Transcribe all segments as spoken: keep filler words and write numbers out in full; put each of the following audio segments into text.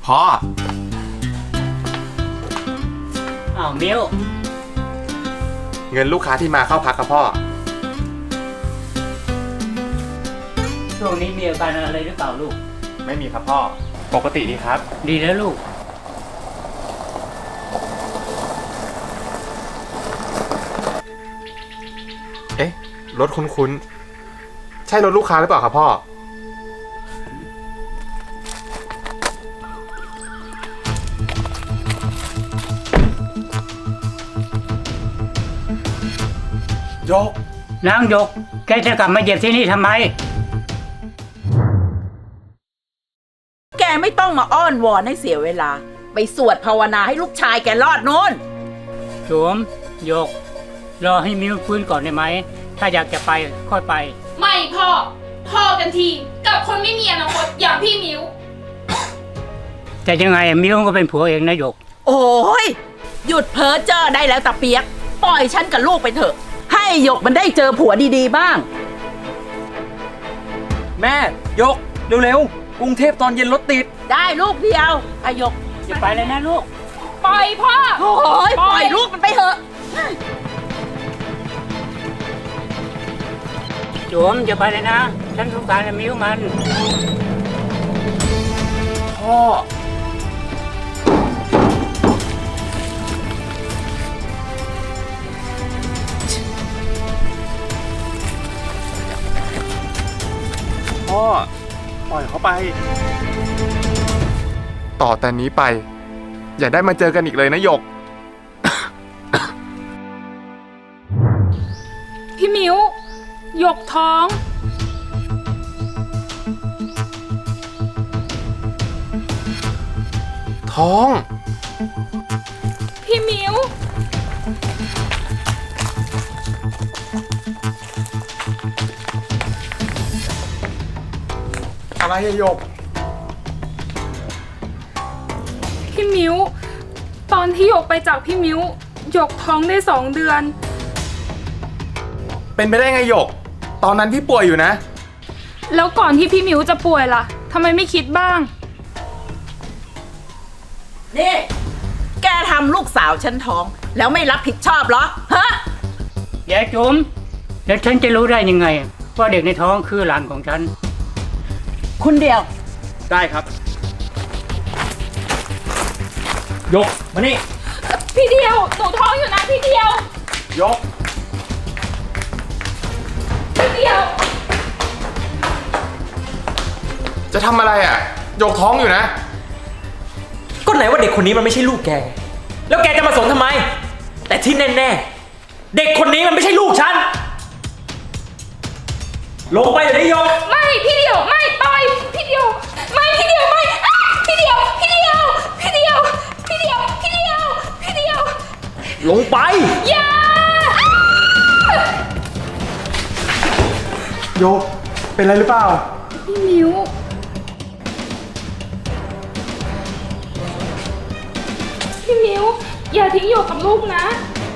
พ่ออ้าวมิวเงินลูกค้าที่มาเข้าพักครับพ่อช่วงนี้มีอาการอะไรหรือเปล่าลูกไม่มีครับพ่อปกติดีครับดีแล้วลูกเอ๊ะรถคุ้นๆใช่รถลูกค้าหรือเปล่าครับพ่อโยกนางยกแกจะกลับมาเหยียบที่นี่ทำไมแกไม่ต้องมาอ้อนวอนให้เสียเวลาไปสวดภาวนาให้ลูกชายแกรอดโน่นโฉมยกรอให้มิวฟื้นก่อนได้ไหมถ้าอยากจะไปค่อยไปไม่พ่อพ่อกันทีกับคนไม่มีอนาคตอย่างพี่มิวแต่ยังไงมิวก็เป็นผัวเองนะยกโอ้ยหยุดเพ้อเจ้อได้แล้วตาเปียกปล่อยฉันกับลูกไปเถอะให้หยกมันได้เจอผัวดีๆบ้างแม่ยกเร็วๆกรุงเทพตอนเย็นรถติดได้ลูกเดียวอายกอย่าไปเลยนะลูกปล่อยพ่อโอ้ยปล่อยลูกมันไปเถอะโฉมอย่าไปเลยนะฉันสงสารมิวมันพ่อพ่อปล่อยเขาไปต่อแต่นี้ไปอย่าได้มาเจอกันอีกเลยนะหยกพี่มิวหยกท้องท้องพี่มิวอะไรอะหยกพี่มิวตอนที่หยกไปจากพี่มิวหยกท้องได้สองเดือนเป็นไปได้ไงหยกตอนนั้นพี่ป่วยอยู่นะแล้วก่อนที่พี่มิวจะป่วยล่ะทำไมไม่คิดบ้างนี่แกทำลูกสาวฉันท้องแล้วไม่รับผิดชอบเหรอฮะยายจุ๋มแล้วฉันจะรู้ได้ยังไงว่าเด็กในท้องคือหลานของฉันคุณเดียวได้ครับยกมานี่พี่เดียวหนูท้องอยู่นะพี่เดียวยกพี่เดียวจะทำอะไรอ่ะยกท้องอยู่นะก็ไหนว่าเด็กคนนี้มันไม่ใช่ลูกแกแล้วแกจะมาสนทำไมแต่ที่แน่ๆเด็กคนนี้มันไม่ใช่ลูกฉันลงไปเดี๋ยวนี้ยกไม่พี่เดียวไม่ปล่อยพี่เดียวไม่พี่เดียวไม่พี่เดียวพี่เดียวพี่เดียวพี่เดียวพี่เดียวพี่เดียวลงไปอย่าโยกเป็นอะไรหรือเปล่าพี่มิวพี่มิวอย่าทิ้งหยกกับลูกนะ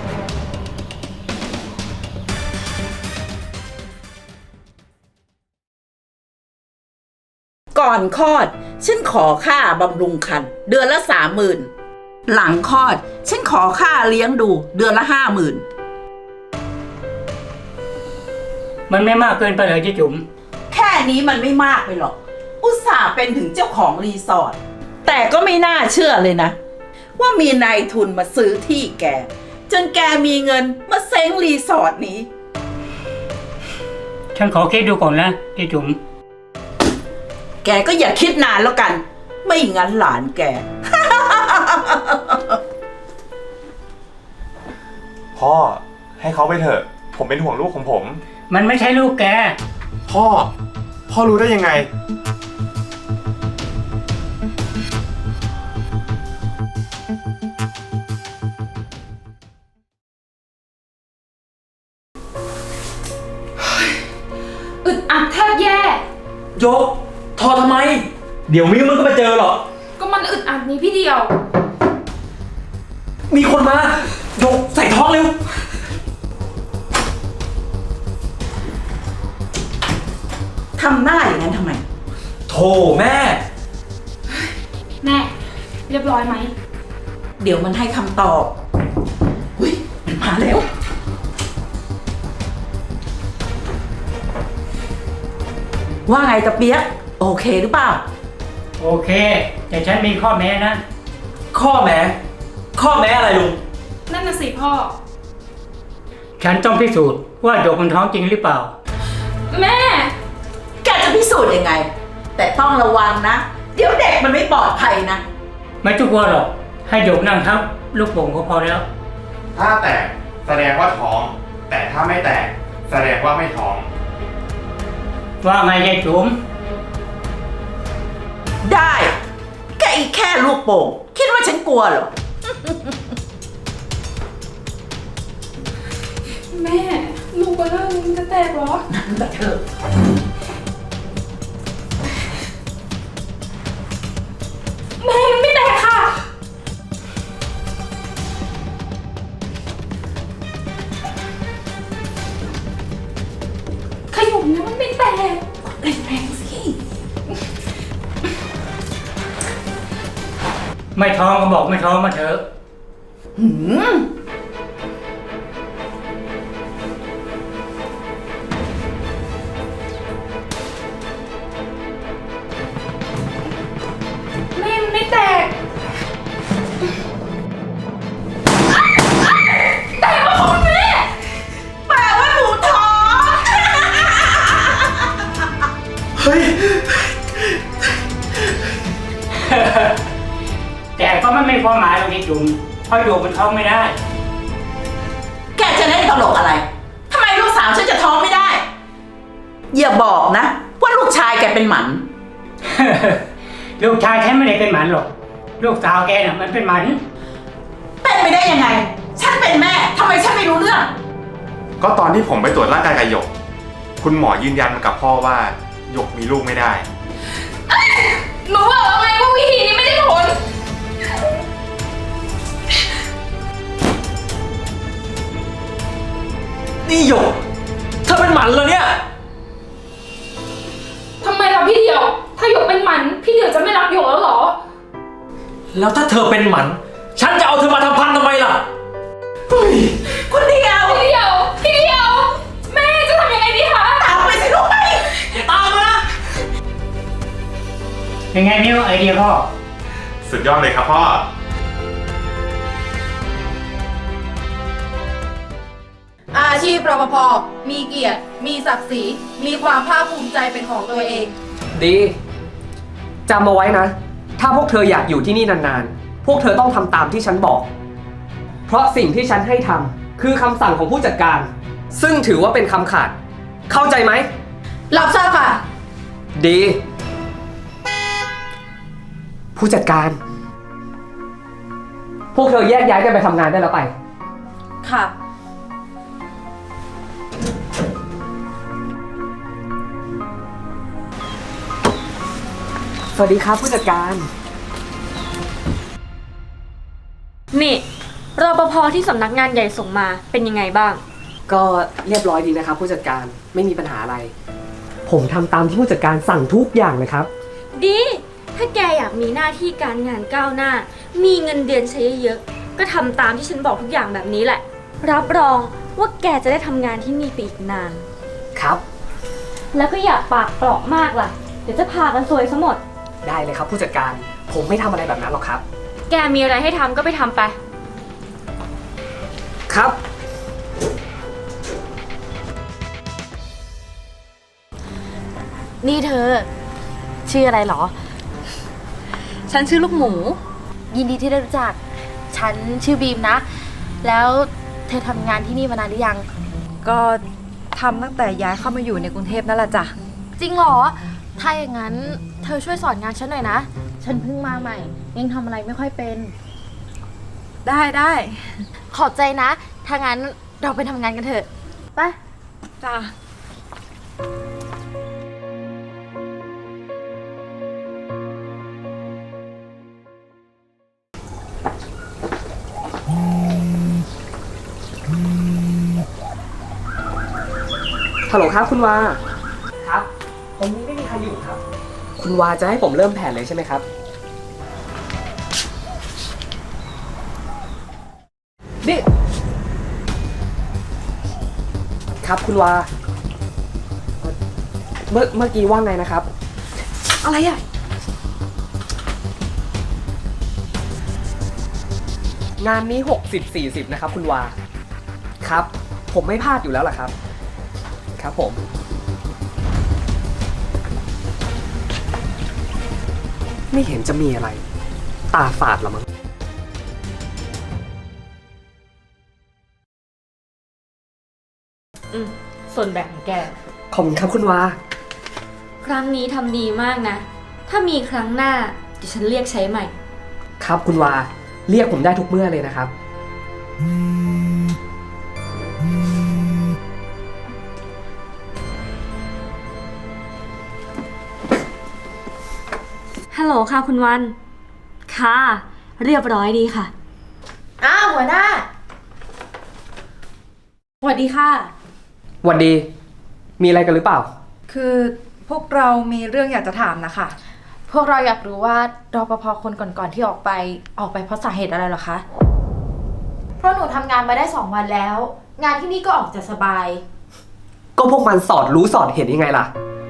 ก่อนคลอดฉันขอค่าบำรุงครรภ์เดือนละสามหมื่นหลังคลอดฉันขอค่าเลี้ยงดูเดือนละห้าหมื่นมันไม่มากเกินไปเลยที่จุ๋มแค่นี้มันไม่มากไปหรอกอุตส่าห์เป็นถึงเจ้าของรีสอร์ทแต่ก็ไม่น่าเชื่อเลยนะว่ามีนายทุนมาซื้อที่แกจนแกมีเงินมาเซ้งรีสอร์ทนี้ฉันขอคิดดูก่อนนะที่จุ๋มแกก็อย่าคิดนานแล้วกันไม่งั้นหลานแกพ่อให้เขาไปเถอะผมเป็นห่วงลูกของผมมันไม่ใช่ลูกแกพ่อพ่อรู้ได้ยังไงอึดอัดแทบแย่ยกทอทำไมเดี๋ยวมิวมันก็มาเจอหรอกก็มันอึดอัดนี้พี่เดียวมีคนมายกใส่ท้องเร็วทำหน้าอย่างนั้นทำไมโธ่แม่แม่เรียบร้อยไหมเดี๋ยวมันให้คำตอบอุ้ยมันมาแล้ว ว่าไงตะเปียกโอเคหรือเปล่าโอเค แต่ฉันมีข้อแม้นะข้อแม้ ข้อแม้อะไรลุงนั่นน่ะสิพ่อฉันต้องพิสูจน์ว่าหยกมันท้องจริงหรือเปล่าแม่แกจะพิสูจน์ยังไง แต่ต้องระวังนะ เดี๋ยวเด็กมันไม่ปลอดภัยนะไม่ต้องกลัวหรอก ให้หยกนั่งทับลูกโป่งก็พอแล้วถ้าแตกแสดงว่าท้อง แต่ถ้าไม่แตกแสดงว่าไม่ท้องว่าไงยายจุ๋มได้แกอีกแค่ลูกโป่งคิดว่าฉันกลัวเหรอแม่ ลูกเบลเลอร์มันจะแตกเหรอนั่นแต่เธอแม่มันไม่แตกค่ะ ขยมนะมันไม่แตกแรงๆสิไม่ท้องก็บอกไม่ท้องมาเถอะหืมแม่มันไม่แตก แตกแล้วคุณแม่แปลว่าหนูท้องเฮ้ยแต่ก็มันไม่พอหมายหรอกยายจุ๋มเพราะหยกมันท้องไม่ได้แกจะเล่นตลกอะไรทำไมลูกสาวฉันจะท้องไม่ได้ อย่าบอกนะ ว่าลูกชายแกเป็นหมันลูกชายฉันไม่ได้เป็นหมันหรอก ลูกสาวแกน่ะมันเป็นหมันเป็นไปได้ยังไง ฉันเป็นแม่ทำไมฉันไม่รู้เรื่องก็ตอนที่ผมไปตรวจร่างกายกับหยก คุณหมอยืนยันกับพ่อว่าหยกมีลูกไม่ได้หนูบอกแล้วไงว่าวิธีนี้ไม่ได้ผลนี่หยกเธอเป็นหมันเหรอเนี่ยทำไมล่ะพี่เดียว ถ้าหยกเป็นหมัน พี่เดียวจะไม่รักหยกแล้วเหรอแล้วถ้าเธอเป็นหมัน ฉันจะเอาเธอมาทำพันทำไมล่ะคุณเดียวพี่เดียว พี่เดียว แม่จะทำยังไงดีคะตามไปสิลูกไปอย่าตามมานะเป็นไงนิ้วไอเดียพ่อสุดยอดเลยครับพ่ออาชีพรปภ มีเกียรติ มีศักดิ์ศรี มีความภาคภูมิใจเป็นของตัวเองดีจำเอาไว้นะ ถ้าพวกเธออยากอยู่ที่นี่นานๆ พวกเธอต้องทำตามที่ฉันบอก เพราะสิ่งที่ฉันให้ทำคือคำสั่งของผู้จัดการ ซึ่งถือว่าเป็นคำขาด เข้าใจไหมรับทราบค่ะดี ผู้จัดการ พวกเธอแยกย้ายกันไปทำงานได้แล้วไปค่ะสวัสดีครับผู้จัดการนี่รปภที่สำนักงานใหญ่ส่งมาเป็นยังไงบ้างก็เรียบร้อยดีนะครับผู้จัดการไม่มีปัญหาอะไร ผมทำตามที่ผู้จัดการสั่งทุกอย่างเลยครับดี ถ้าแกอยากมีหน้าที่การงานก้าวหน้า มีเงินเดือนใช้เยอะๆก็ทำตามที่ฉันบอกทุกอย่างแบบนี้แหละ รับรองว่าแกจะได้ทำงานที่นี่ไปอีกนานครับแล้วก็อย่าปากเปราะมากล่ะ เดี๋ยวจะพากันซวยซะหมดได้เลยครับผู้จัดการผมไม่ทำอะไรแบบนั้นหรอกครับแกมีอะไรให้ทำก็ไปทำไปครับนี่เธอ ชื่ออะไรเหรอ ฉันชื่อลูกหมู ยินดีที่ได้รู้จัก ฉันชื่อบีมนะ แล้วเธอทำงานที่นี่มานานหรือยังก็ทำตั้งแต่ย้ายเข้ามาอยู่ในกรุงเทพนั่นแหละจ้ะจริงเหรอ ถ้าอย่างนั้นเธอช่วยสอนงานฉันหน่อยนะ ฉันเพิ่งมาใหม่ ยังทำอะไรไม่ค่อยเป็นได้ได้ขอบใจนะ ถ้างั้นเราไปทำงานกันเถอะ ไปจ้ะฮัลโหลครับคุณวา ครับตรงนี้ไม่มีใครอยู่ครับ คุณวาจะให้ผมเริ่มแผนเลยใช่ไหมครับนี่ ครับคุณวาเอ่อเมื่อเมื่อกี้ว่าไงนะครับอะไรอะงานนี้หกสิบ สี่สิบนะครับคุณวา ครับ ผมไม่พลาดอยู่แล้วล่ะครับ ครับผม ไม่เห็นจะมีอะไร ตาฝาดละมั้งอืมส่วนแบ่งของแกขอบคุณครับคุณวาครั้งนี้ทำดีมากนะ ถ้ามีครั้งหน้าเดี๋ยวฉันเรียกใช้ใหม่ครับคุณวา เรียกผมได้ทุกเมื่อเลยนะครับฮัลโหลค่ะคุณวัน ค่ะ เรียบร้อยดีค่ะอ้าวหัวหน้า สวัสดีค่ะหวัดดี มีอะไรกันหรือเปล่าคือพวกเรามีเรื่องอยากจะถามนะคะพวกเราอยากรู้ว่ารปภคนก่อนๆที่ออกไปออกไปเพราะสาเหตุอะไรเหรอคะ เพราะหนูทำงานมาได้สองวันแล้ว งานที่นี่ก็ออกจะสบายก็พวกมันสอดรู้สอดเห็นยังไงล่ะ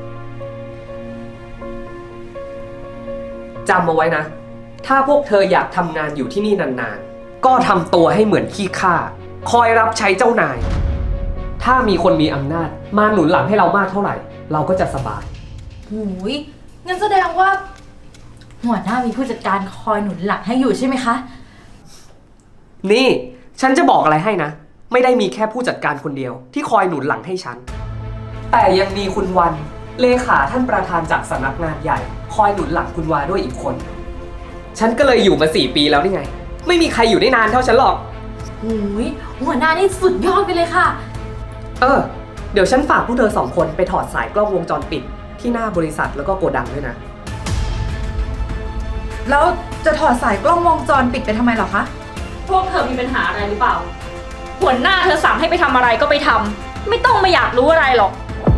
จำเอาไว้นะ ถ้าพวกเธออยากทำงานอยู่ที่นี่นานๆ ก็ทำตัวให้เหมือนขี้ข้า คอยรับใช้เจ้านาย ถ้ามีคนมีอำนาจมาหนุนหลังให้เรามากเท่าไหร่ เราก็จะสบายหูยงั้นแสดงว่า หัวหน้ามีผู้จัดการคอยหนุนหลังให้อยู่ใช่ไหมคะนี่ ฉันจะบอกอะไรให้นะ ไม่ได้มีแค่ผู้จัดการคนเดียวที่คอยหนุนหลังให้ฉัน แต่ยังมีคุณวัน เลขาท่านประธานจากสำนักงานใหญ่ คอยหนุนหลังคุณวาด้วยอีกคน ฉันก็เลยอยู่มาสี่ปีแล้วนี่ไง ไม่มีใครอยู่ได้นานเท่าฉันหรอกหูยหัวหน้านี่สุดยอดไปเลยค่ะเออ เดี๋ยวฉันฝากพวกเธอสองคนไปถอดสายกล้องวงจรปิดที่หน้าบริษัทแล้วก็โกดังด้วยนะแล้วจะถอดสายกล้องวงจรปิดไปทำไมเหรอคะพวกเธอมีปัญหาอะไรหรือเปล่า หัวหน้าเธอสั่งให้ไปทำอะไรก็ไปทำ ไม่ต้องมาอยากรู้อะไรหรอก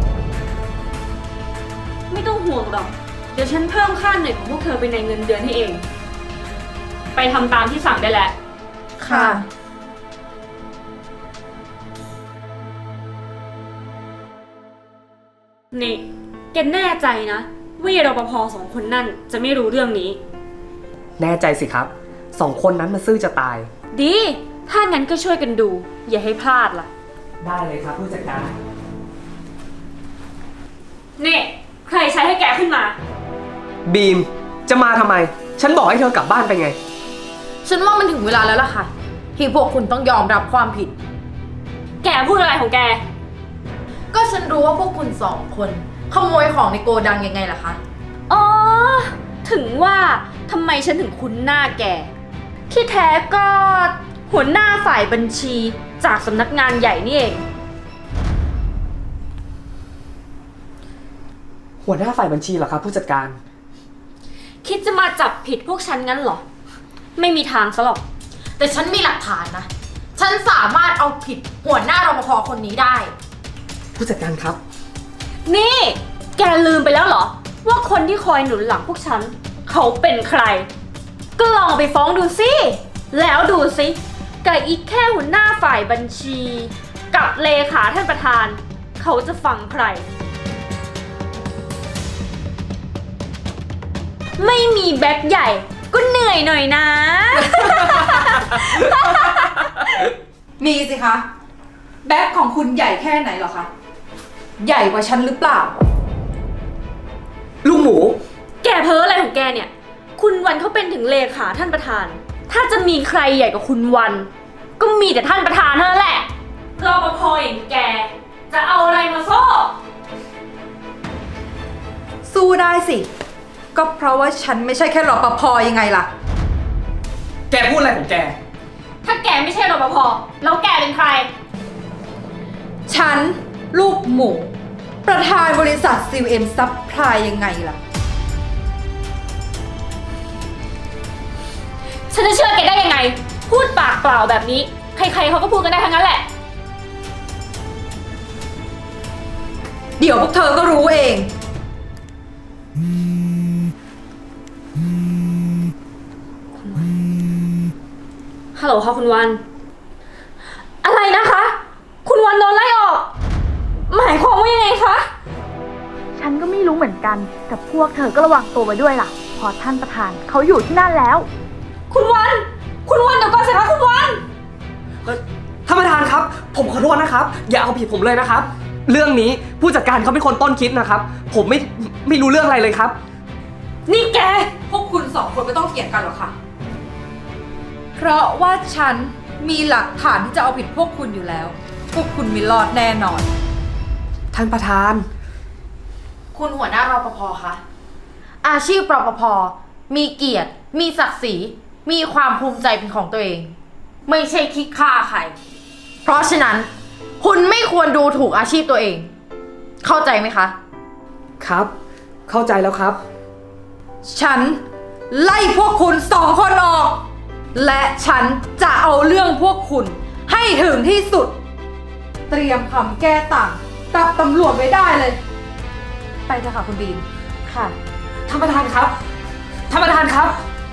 ไม่ต้องห่วงหรอก เดี๋ยวฉันเพิ่มค่าเหนื่อยของพวกเธอไปในเงินเดือนให้เอง ไปทำตามที่สั่งได้แล้วค่ะนี่แกแน่ใจนะว่ารปภสองคนนั่นจะไม่รู้เรื่องนี้แน่ใจสิครับ สองคนนั้นมาซื่อจะตายดี ถ้างั้นก็ช่วยกันดู อย่าให้พลาดล่ะได้เลยครับผู้จัดการนี่ ใครใช้ให้แกขึ้นมาบีม จะมาทำไม ฉันบอกให้เธอกลับบ้านไปไงฉันว่ามันถึงเวลาแล้วล่ะค่ะ ที่พวกคุณต้องยอมรับความผิดแกพูดอะไรของแกก็ฉันรู้ว่าพวกคุณสองคนขโมยของในโกดังยังไงล่ะคะอ๋อ ถึงว่าทำไมฉันถึงคุ้นหน้าแก ที่แท้ก็หัวหน้าฝ่ายบัญชีจากสำนักงานใหญ่นี่เองหัวหน้าฝ่ายบัญชีเหรอครับผู้จัดการคิดจะมาจับผิดพวกฉันงั้นเหรอ ไม่มีทางซะหรอกแต่ฉันมีหลักฐานนะ ฉันสามารถเอาผิดหัวหน้ารปภคนนี้ได้ผู้จัดการครับนี่ แกลืมไปแล้วเหรอ ว่าคนที่คอยหนุนหลังพวกฉัน เขาเป็นใคร ก็ลองเอาไปฟ้องดูสิ แล้วดูสิกับอีกแค่หัวหน้าฝ่ายบัญชี กับเลขาท่านประธาน เขาจะฟังใคร ไม่มีแบ็คใหญ่ก็เหนื่อยหน่อยนะมีสิคะ แบ็คของคุณใหญ่แค่ไหนเหรอคะ ใหญ่กว่าฉันหรือเปล่าลูกหมูแกเพ้ออะไรของแกเนี่ย คุณวันเขาเป็นถึงเลขาท่านประธาน ถ้าจะมีใครใหญ่กว่าคุณวัน ก็มีแต่ท่านประธานเท่านั้นแหละรปภอย่างแก จะเอาอะไรมาสู้สู้ได้สิ ก็เพราะว่าฉันไม่ใช่แค่รปภยังไงล่ะแกพูดอะไรของแกถ้าแกไม่ใช่รปภแล้วแกเป็นใครฉัน ลูกหมู ประธานบริษัท ซี เอ็ม Supply ยังไงล่ะฉันจะเชื่อแกได้ยังไง พูดปากเปล่าแบบนี้ ใครๆเขาก็พูดกันได้ทั้งนั้นแหละเดี๋ยวพวกเธอก็รู้เองฮัลโหลค่ะคุณวันคะฉันก็ไม่รู้เหมือนกัน แต่พวกเธอก็ระวังตัวไว้ด้วยล่ะเพอท่านประธานเขาอยู่ที่นั่นแล้วคุณวัน คุณวันเดี๋ยวก่อนสิคะคุณวันท่านประธานครับ ผมขอโทษนะครับ อย่าเอาผิดผมเลยนะครับ เรื่องนี้ผู้จัดการเขาเป็นคนต้นคิดนะครับ ผมไม่ไม่รู้เรื่องอะไรเลยครับนี่แกพวกคุณสองคนไม่ต้องเถียงกันหรอกค่ะ เพราะว่าฉันมีหลักฐานที่จะเอาผิดพวกคุณอยู่แล้ว พวกคุณไม่รอดแน่นอนท่านประธานคุณหัวหน้ารปภคะอาชีพรปภมีเกียรติ มีศักดิ์ศรี มีความภูมิใจเป็นของตัวเอง ไม่ใช่คิดฆ่าใคร เพราะฉะนั้น คุณไม่ควรดูถูกอาชีพตัวเอง เข้าใจไหมคะครับ เข้าใจแล้วครับฉันไล่พวกคุณสองคนออก และฉันจะเอาเรื่องพวกคุณให้ถึงที่สุด เตรียมคำแก้ต่างกับตำรวจไว้ได้เลย ไปเถอะค่ะคุณบีมค่ะท่านประธานครับ ท่านประธานครับ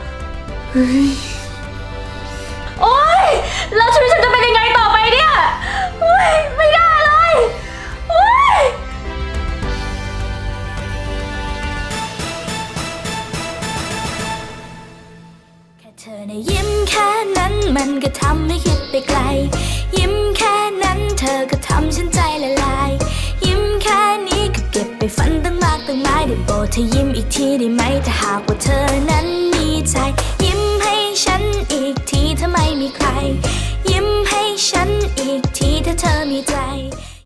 โอ๊ย แล้วชีวิตฉันจะเป็นยังไงต่อไปเนี่ยโอ๊ย ไม่ได้เลย โอ๊ยแค่เธอในะยิ้มแค่นั้นมันก็ทำให้คิดไปไกล ยิ้มแค่นั้นเธอก็ทำฉันใจละลาย ยิ้มแค่นี้ก็เก็บไปฝันตั้งมากตั้งหลายได้โปรดเธอยิ้มอีกทีได้ไหมถ้าหากว่าเธอนั้นมีใจ ยิ้มให้ฉันอีกทีถ้าไม่มีใคร ยิ้มให้ฉันอีกทีถ้าเธอมีใจ